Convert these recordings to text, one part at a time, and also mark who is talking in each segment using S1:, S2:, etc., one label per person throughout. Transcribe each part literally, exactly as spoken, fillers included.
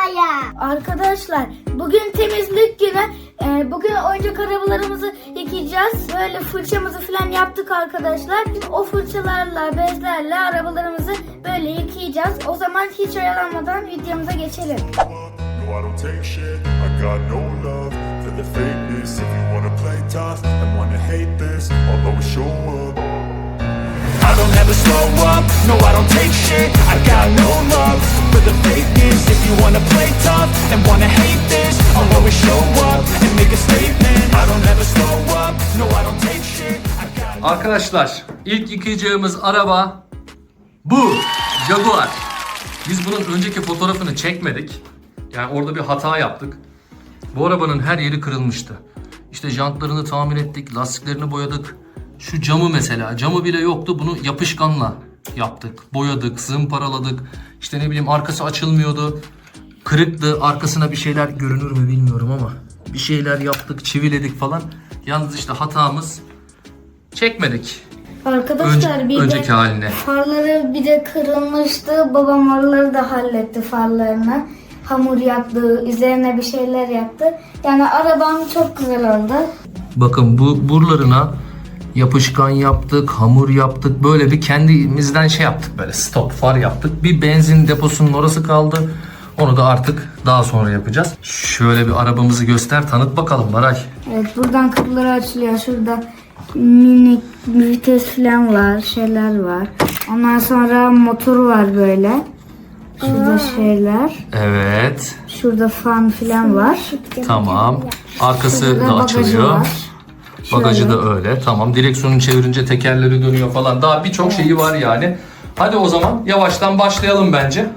S1: arabaya.
S2: Arkadaşlar bugün temizlik günü. Ee, bugün oyuncak arabalarımızı yıkayacağız. Böyle fırçamızı falan yaptık arkadaşlar. O fırçalarla, bezlerle arabalarımızı böyle yıkayacağız. O zaman hiç oyalanmadan videomuza geçelim.
S3: No, I don't take shit. I got no love for the fakeness. If you wanna play tough and wanna hate this, I'll always show up. I don't ever slow up. No, I don't take shit. I got no love for the fakeness. If you wanna play tough and wanna hate this, I'll always show up and make a statement. I don't ever slow up. No, I don't take shit. I got
S4: Arkadaşlar ilk yıkayacağımız araba bu Jaguar. Biz bunun önceki fotoğrafını çekmedik. Yani orada bir hata yaptık. Bu arabanın her yeri kırılmıştı. İşte jantlarını tamir ettik, lastiklerini boyadık. Şu camı mesela, camı bile yoktu. Bunu yapışkanla yaptık, boyadık, zımparaladık. İşte ne bileyim arkası açılmıyordu. Kırıktı, arkasına bir şeyler görünür mü bilmiyorum ama bir şeyler yaptık, çiviledik falan. Yalnız işte hatamız çekmedik.
S2: Arkadaşlar
S4: Önce-
S2: bir
S4: önceki
S2: de
S4: haline.
S2: farları bir de kırılmıştı. Babam oraları da halletti farlarını. Hamur yaptı, üzerine bir şeyler yaptı. Yani arabam çok güzel oldu.
S4: Bakın bu buralarına yapışkan yaptık, hamur yaptık. Böyle bir kendimizden şey yaptık, böyle stop far yaptık. Bir benzin deposunun orası kaldı. Onu da artık daha sonra yapacağız. Şöyle bir arabamızı göster, tanıt bakalım Baray.
S2: Evet, buradan kapıları açılıyor. Şurada minik vites falan var, şeyler var. Ondan sonra motor var böyle. Şurada şeyler.
S4: Evet,
S2: Şurada fan falan var.
S4: tamam. Arkası
S2: Şurada
S4: da
S2: bagajı
S4: açılıyor.
S2: var.
S4: Bagajı
S2: Şöyle.
S4: da öyle. Tamam. Direksiyonu çevirince tekerleri dönüyor falan. Daha birçok şeyi var yani. Hadi o zaman yavaştan başlayalım bence.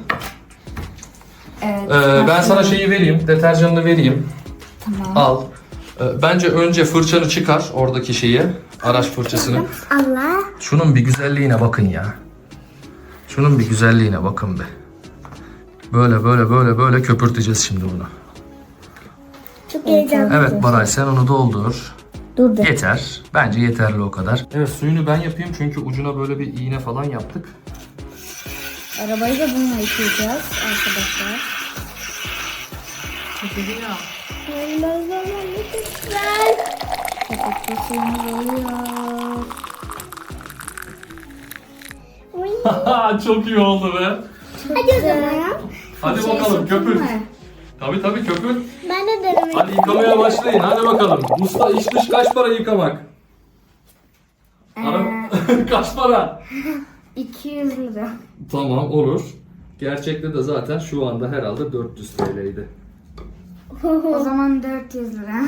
S2: Evet.
S4: Ee, ben sana şeyi vereyim. Deterjanını vereyim.
S2: Tamam.
S4: Al. Ee, bence önce fırçanı çıkar. Oradaki şeyi. Araç fırçasını.
S1: Allah.
S4: Şunun bir güzelliğine bakın ya. Şunun bir güzelliğine bakın be. Böyle böyle böyle böyle köpürteceğiz şimdi bunu.
S1: Çok heyecanlı.
S4: Evet Baray, sen onu doldur.
S2: Dur da.
S4: Yeter. Bence yeterli o kadar. Evet, suyunu ben yapayım çünkü ucuna böyle bir iğne falan yaptık.
S2: Arabayı da bununla yıkayacağız arkadaşlar.
S1: Allah Allah ne güzel.
S2: Kapatı suyumuz oluyor.
S4: Çok iyi oldu be.
S1: Hadi o zaman.
S4: Hadi
S2: Şey
S4: bakalım
S2: sıktın
S4: köpür.
S2: mı?
S4: Tabii tabii köpür.
S1: Ben de denemek.
S4: Hadi yıkamaya başlayın. Hadi bakalım. Usta iç dış kaç para yıkamak? Ara... kaç para?
S2: iki yüz lira.
S4: Tamam, olur. Gerçekte de zaten şu anda herhalde dört yüz T L'ydi.
S2: O zaman dört yüz lira.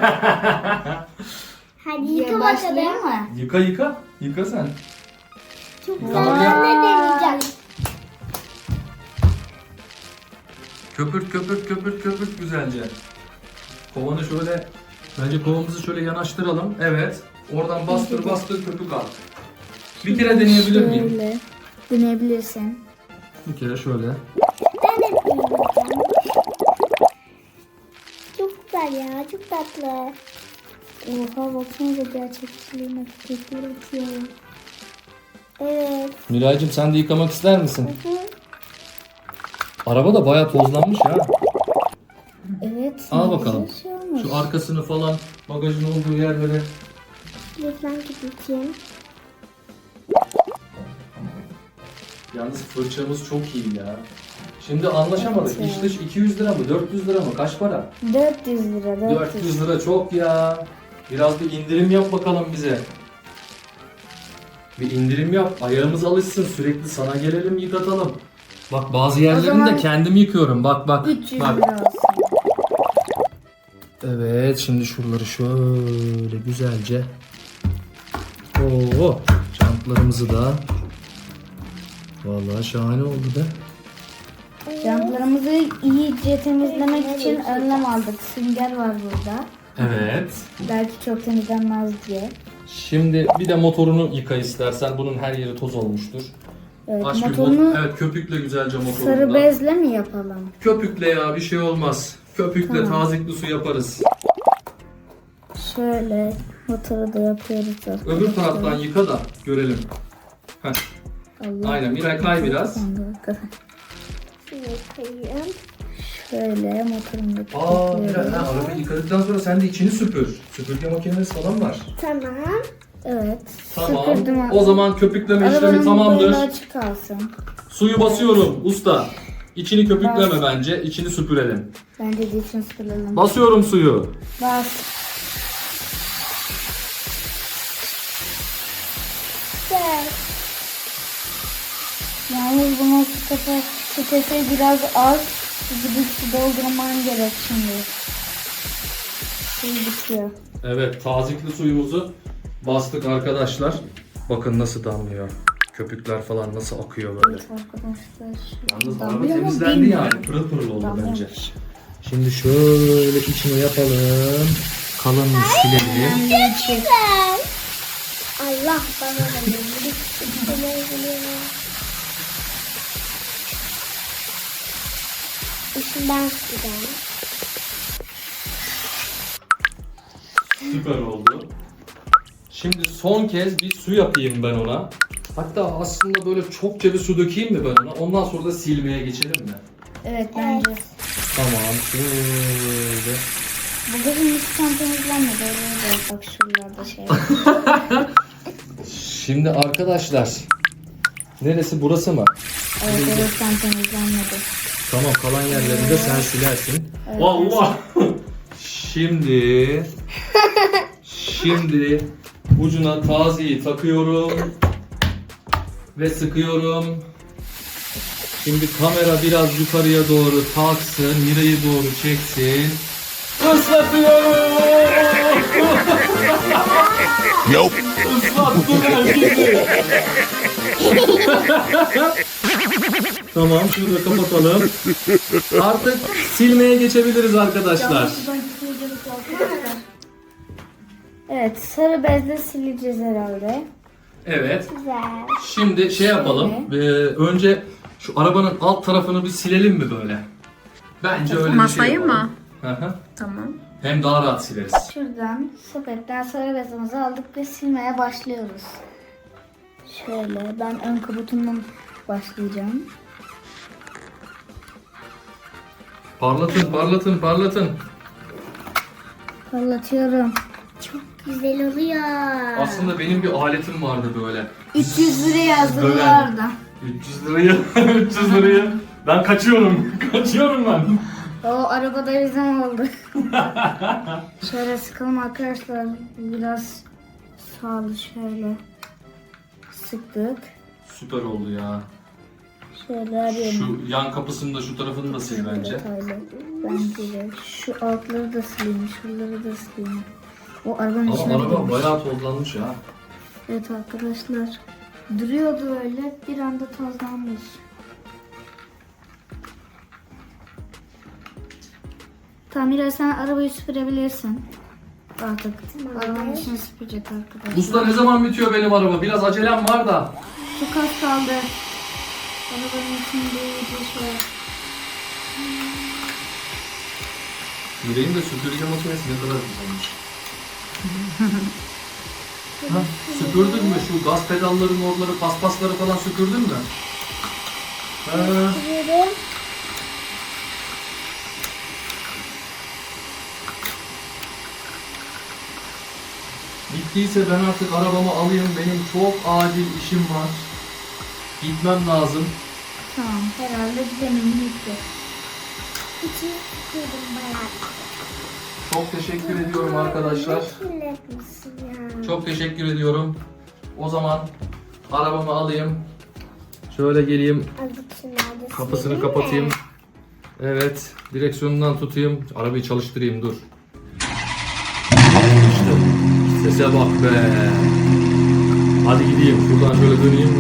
S1: Hadi yıka bakalım.
S2: Başlayayım mı?
S4: Yıka yıka. Yıka sen.
S1: Çok güzel.
S4: Yıkamak
S1: Ben
S4: yap.
S1: de deneyeceğim.
S4: Köpürt köpürt köpürt köpürt güzelce. Kovanı şöyle, bence kovamızı şöyle yanaştıralım. Evet. Oradan bastır bastır köpük al. Bir kere deneyebilir miyim?
S2: Şöyle. Deneyebilirsin.
S4: Bir kere şöyle.
S1: Ben de deneyeceğim. Çok güzel ya. Çok tatlı.
S2: Oha baksanıza gerçekçiliğine köpür atıyor.
S1: Evet.
S4: Miraycığım, sen de yıkamak ister misin? Araba da bayağı tozlanmış ya.
S2: Evet.
S4: Al bakalım.
S2: güzel şey olmuş.
S4: Şu arkasını falan, bagajın olduğu yerlere.
S1: Lütfen gideceğim.
S4: Yalnız fırçamız çok iyi ya. Şimdi anlaşamadık.
S2: Evet.
S4: İç dış iki yüz lira mı? dört yüz lira mı? Kaç para?
S2: dört yüz lira. dört yüz.
S4: dört yüz lira çok ya. Biraz bir indirim yap bakalım bize. Bir indirim yap. Ayağımız alışsın. Sürekli sana gelelim, yıkatalım. Bak bazı yerlerini
S2: zaman
S4: de kendim yıkıyorum. Bak bak.
S2: üç yüz
S4: bak.
S2: lira olsun.
S4: Evet, şimdi şuraları şöyle güzelce. Oo, jantlarımızı da. Vallahi şahane oldu da.
S2: Jantlarımızı iyice temizlemek için önlem aldık. Sünger var burada.
S4: Evet.
S2: Belki çok temizlenmez diye.
S4: Şimdi bir de motorunu yıka istersen. Bunun her yeri toz olmuştur.
S2: Evet,
S4: Aç bir
S2: motorunu
S4: mot- evet, köpükle güzelce motorunu
S2: sarı
S4: da.
S2: bezle mi yapalım?
S4: Köpükle ya, bir şey olmaz. Köpükle tazikli su yaparız.
S2: Şöyle motoru da yapıyoruz. arkadaşlar.
S4: Öbür taraftan yıka da görelim. Heh.
S2: Allah.
S4: Aynen, Miray kay biraz.
S1: Şuraya koyayım.
S2: Şöyle motorunu da
S4: Aa,
S2: kilitliyorum.
S4: ha, arabayı yıkadıktan sonra sen de içini süpür. Süpürge makinesi falan var.
S1: Tamam.
S2: Evet.
S4: Tamam.
S2: Süpürdüm.
S4: O zaman köpükleme işlemi
S2: Arabanın
S4: tamamdır.
S2: böyle açık kalsın.
S4: Suyu basıyorum usta. İçini köpükleme
S2: Bas.
S4: bence. İçini süpürelim.
S2: Bence de için süpürelim.
S4: Basıyorum suyu.
S2: Bas.
S1: Güzel.
S2: Yalnız bunun sitesi, sitesi biraz az. Gidip su doldurman gerek şimdi. Suyu bitiyor.
S4: Evet, tazikli suyumuzu bastık arkadaşlar. Bakın nasıl damlıyor. Köpükler falan nasıl akıyor böyle.
S2: Evet arkadaşlar.
S4: Yalnız araba
S2: Damlıyor mu
S4: temizlendi
S2: bilmiyorum.
S4: yani. Pırıl pırıl oldu
S2: Damlıyor.
S4: bence. Şimdi şöyle içini yapalım. Kalanını silelim.
S2: Damlıyor içi.
S1: Güzel. Allah bana da bir şeyler geliyor. İşinden güzel.
S4: Süper oldu. Şimdi son kez bir su yapayım ben ona. Hatta aslında böyle çokça bir su dökeyim mi ben ona? Ondan sonra da silmeye geçelim mi?
S2: Evet bence.
S4: Tamam şöyle.
S2: Bu gözün hiç tam temizlenmedi. Öyle de bak şuralarda şey var.
S4: Şimdi arkadaşlar. Neresi, burası mı?
S2: Evet evet tam temizlenmedi.
S4: Tamam, kalan yerlerini de sen silersin. Allah! Şimdi Şimdi ucuna taziyi takıyorum ve sıkıyorum. Şimdi kamera biraz yukarıya doğru kalksın, Mira'yı doğru çeksin. Islatıyorum!
S3: Nope.
S4: Islattım herkesi. Tamam, şunu da kapatalım. Artık silmeye geçebiliriz arkadaşlar.
S2: Evet sarı bezle sileceğiz herhalde.
S4: Evet.
S1: Güzel.
S4: Şimdi şey yapalım. Ee, önce şu arabanın alt tarafını bir silelim mi böyle? Bence öyle bir şey
S5: Masayı
S4: yapalım.
S5: mı?
S4: Hı hı.
S5: Tamam.
S4: Hem daha rahat sileriz.
S2: Şuradan sepetten sarı bezimizi aldık ve silmeye başlıyoruz. Şöyle ben ön kabutundan başlayacağım.
S4: Parlatın, parlatın, parlatın.
S2: Parlatıyorum.
S1: Çok güzel oluyor.
S4: Aslında benim bir aletim vardı böyle.
S2: üç yüz lira yazdı
S4: Böyle.
S2: orada.
S4: üç yüz lirayı, üç yüz lirayı. Ben kaçıyorum, kaçıyorum ben.
S2: O arabada bizim oldu. Şöyle sıkalım arkadaşlar. Biraz sağlı şöyle sıktık.
S4: Süper oldu ya.
S2: Şöyle arayalım.
S4: Şu yan kapısını da şu tarafını da sil bence.
S2: Detaylı. Bence de. Şu altları da sileyim. Şuraları da sileyim. O arabanın içine
S4: Ama araba
S2: girmiş.
S4: bayağı tozlanmış ya.
S2: Evet arkadaşlar. Duruyordu öyle. Bir anda tozlanmış. Tamam Mira sen arabayı süpürebilirsin. Artık arabanın içine süpürecek arkadaşlar.
S4: Usta ne zaman bitiyor benim araba? Biraz acelem var da.
S2: Çok az kaldı. Arabanın içinde iyice şey.
S4: Yüreğim de süpürge makinesi ne kadar güzelmiş. Ha, süpürdün mü şu gaz pedalların oraları, paspasları falan süpürdün mü? Ha,
S1: Yürü.
S4: bittiyse ben artık arabamı alayım. Benim çok acil işim var. Gitmem lazım.
S2: Tamam herhalde zemin bitti.
S1: İçini sıkıyordum bayağı.
S4: Çok teşekkür ediyorum arkadaşlar.
S1: Kirletmişsin ya.
S4: Çok teşekkür ediyorum. O zaman arabamı alayım. Şöyle geleyim.
S1: Azıcık şunlarda
S4: Kapısını
S1: silelim
S4: kapatayım.
S1: mi?
S4: Evet. Direksiyonundan tutayım. Arabayı çalıştırayım dur. İşte. Sese bak be. Hadi gideyim. Şuradan şöyle döneyim.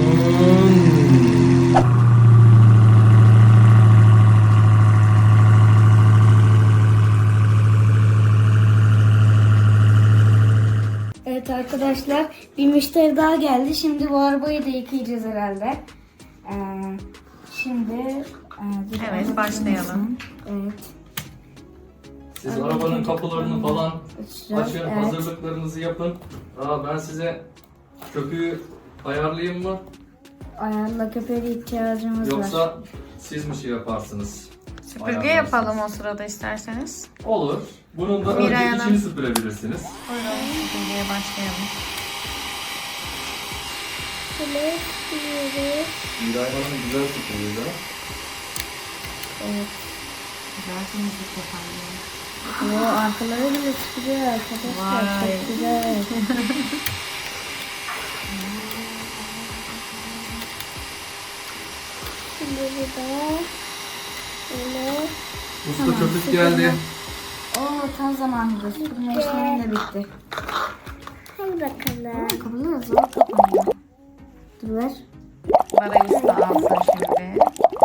S2: Evet arkadaşlar bir müşteri daha geldi. Şimdi bu arabayı da yıkayacağız herhalde. Ee, şimdi e, dur,
S5: Evet,
S2: arabayı
S5: başlayalım.
S2: Evet.
S4: Siz arabanın kapılarını falan
S2: Açacağız.
S4: açın.
S2: Evet.
S4: Hazırlıklarınızı yapın. Aa, ben size köpüğü ayarlayayım mı?
S2: Ayarla köpeğe ihtiyacımız var.
S4: Yoksa siz mi şey yaparsınız?
S5: Süpürge
S4: ayarlarsınız.
S5: yapalım o sırada isterseniz.
S4: Olur. Bunun da
S5: Miray
S4: önce
S5: Hanım.
S4: içini süpürebilirsiniz.
S5: Buyurun süpürgeye başlayalım.
S1: Şöyle sürüyoruz.
S4: Miray Hanım güzel süpürüyor.
S5: Güzel temizlik yapalım.
S2: O arkaları bile çıkıyor arkadaşlar.
S5: Vay.
S2: Çok güzel.
S1: Şimdi burada böyle
S4: Usta köpük geldi.
S2: Oo tam zamanında süpürme işlemi de bitti.
S1: hadi bakalım.
S2: Kapıları zor kapanıyor. Dur ver.
S5: Barayı usta alsın şimdi.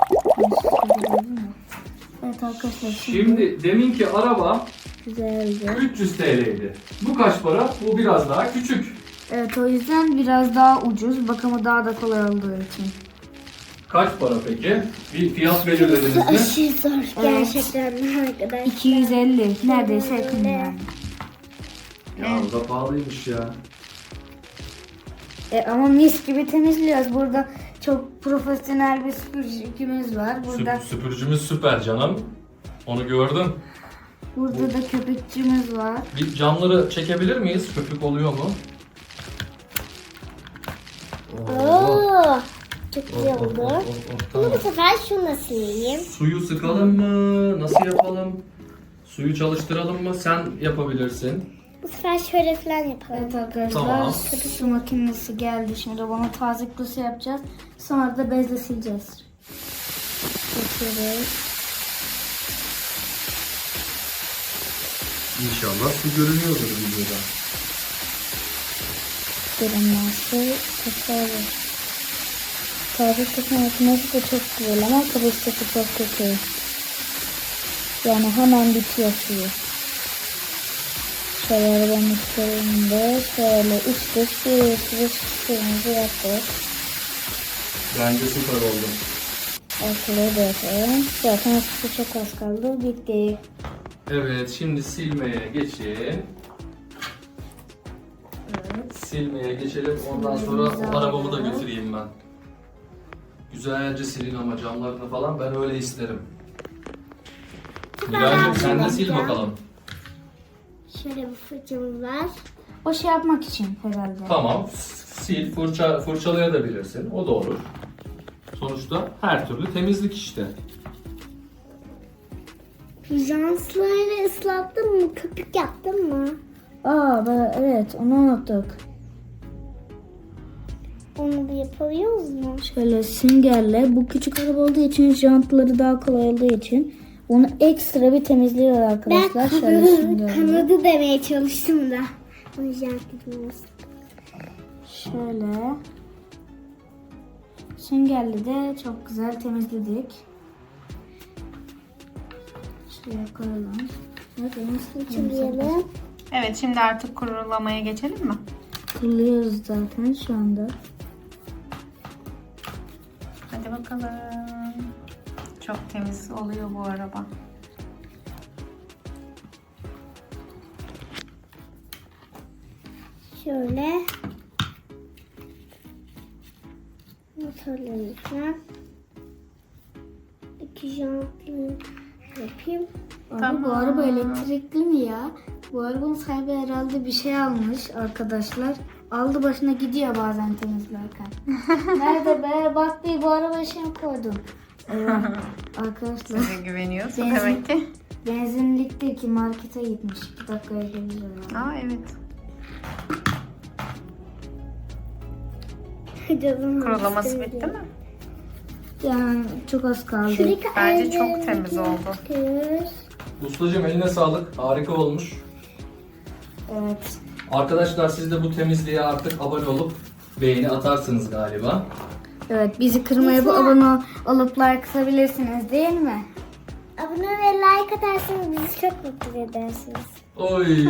S2: Evet arkadaşlar şimdi,
S4: Şimdi deminki araba
S2: güzelce.
S4: üç yüz T L'ydi. Bu kaç para? Bu biraz daha küçük.
S2: Evet o yüzden biraz daha ucuz. Bakımı daha da kolay olduğu için.
S4: Kaç para peki? Bir fiyat belirlediniz mi?
S1: Aşırı zor gerçekten arkadaşlar.
S2: iki yüz elli. Neredeyse yakın yani.
S4: Ya o da pahalıymış ya.
S2: E, ama mis gibi temizliyoruz. Burada çok profesyonel bir süpürgemiz var. Burada
S4: Süp- süpürücümüz süper canım. Onu gördüm.
S2: burada da köpükçümüz var.
S4: Bir camları çekebilir miyiz? Köpük oluyor mu? Oo.
S1: Oo, çok
S4: Oh,
S1: güzel
S4: oh,
S1: oldu.
S4: oh, oh, oh,
S1: Bunu
S4: tamam.
S1: bu sefer şunla sileyim.
S4: Suyu sıkalım mı? Nasıl yapalım? Suyu çalıştıralım mı? Sen yapabilirsin.
S1: Bu sefer şöyle falan yapalım.
S2: Evet arkadaşlar
S4: Tamam.
S2: su makinesi geldi. Şimdi bana taze su yapacağız. Sonra da bezle sileceğiz. Geçiyoruz.
S4: İnşallah su görünüyordur videoda.
S2: Görünmezse kaçarız. Taze su makinesi de çok güzel ama kapasitesi çok kötü. Yani hemen bitiyor suyu. Şöyle arabanın üstlerinde şöyle üç dış bir sürü suyumuzu yaptık.
S4: Bence süper oldu.
S2: Ortalığı da yapalım. Zaten su çok az kaldı. Bitti.
S4: Evet, şimdi silmeye geçin. Silmeye geçelim. Ondan sonra
S2: Silmemizi
S4: arabamı da
S2: alalım.
S4: götüreyim ben. Güzelce silin ama camlarını falan ben öyle isterim. Miraycığım sen de sil bakalım.
S1: Şöyle bir fırçamız var.
S2: O şey yapmak için herhalde.
S4: Tamam, sil, fırça, fırçalayabilirsin. O da olur. Sonuçta her türlü temizlik işte.
S1: Janslarını ıslattın mı? Köpük yaptın mı?
S2: Aa ben, evet onu unuttuk.
S1: Onu da yapabiliyoruz mu?
S2: Şöyle süngerle bu küçük araba olduğu için jantları daha kolay olduğu için onu ekstra bir temizliyor
S1: Ben
S2: arkadaşlar. Şöyle
S1: kanadı,
S2: süngerle.
S1: kanadı demeye çalıştım da. Onu jant etmiyoruz.
S2: Şöyle. Süngerle de çok güzel temizledik. Şuraya koyalım. Evet,
S1: Açılıyor.
S5: Evet şimdi artık kurulamaya geçelim mi?
S2: Kuruluyoruz zaten şu anda.
S5: Hadi bakalım. Çok temiz oluyor bu araba.
S1: Şöyle. Motorlarımızla. İki jantlı yapayım.
S2: Abi
S5: Tamam.
S2: bu araba elektrikli mi ya? Bu arabanın sahibi herhalde bir şey almış arkadaşlar. Aldı başına gidiyor bazen temizlerken. Nerede be? Bak bir bu arabaya şey mi koydum? Eyvah. Arkadaşlar
S5: Size güveniyorsun
S2: Benzin-
S5: demek ki.
S2: benzinlikteki markete gitmiş. iki dakikaya gelir herhalde.
S5: Aa evet.
S1: Canım
S5: Kurulaması
S1: istemedi.
S5: bitti mi?
S2: Yani çok az kaldı.
S1: Şuradaki
S5: Bence çok
S1: ayarlarını
S5: temiz oldu.
S1: takıyoruz.
S4: Ustacığım eline sağlık. Harika olmuş.
S2: Evet.
S4: Arkadaşlar siz de bu temizliğe artık abone olup beğeni atarsınız galiba.
S2: Evet bizi kırmaya bu abone olup like atabilirsiniz değil mi?
S1: Abone ve like atarsanız bizi çok mutlu edersiniz.
S4: Oy.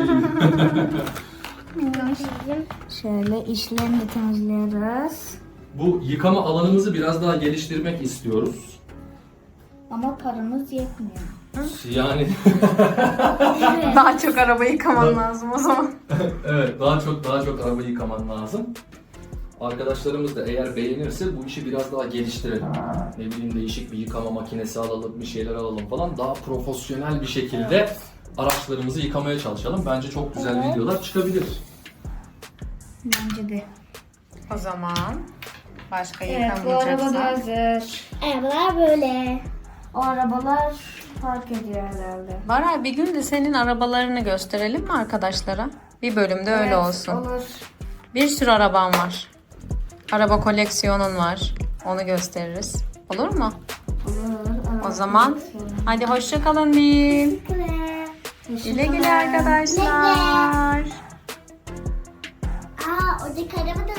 S2: Şöyle işlerini de temizliyoruz.
S4: Bu yıkama alanımızı biraz daha geliştirmek istiyoruz.
S2: Ama paramız yetmiyor.
S4: Yani
S5: Daha çok araba yıkaman lazım o zaman.
S4: evet daha çok daha çok araba yıkaman lazım. Arkadaşlarımız da eğer beğenirse bu işi biraz daha geliştirelim. Ne bileyim değişik bir yıkama makinesi alalım, bir şeyler alalım falan. Daha profesyonel bir şekilde araçlarımızı yıkamaya çalışalım. Bence çok güzel videolar çıkabilir.
S2: Bence de.
S5: O zaman başka
S2: Evet, bu araba da
S5: yıkamayacaksan.
S2: hazır.
S1: Arabalar böyle.
S2: O arabalar park ediyor herhalde.
S5: Baray, bir gün de senin arabalarını gösterelim mi arkadaşlara? Bir bölümde öyle
S2: Evet,
S5: olsun.
S2: Olur.
S5: Bir sürü araban var. Araba koleksiyonun var. Onu gösteririz. Olur mu?
S2: Olur.
S5: O zaman hadi hoşça kalın diyeyim. Güle güle arkadaşlar.
S1: Aa, oradaki araba da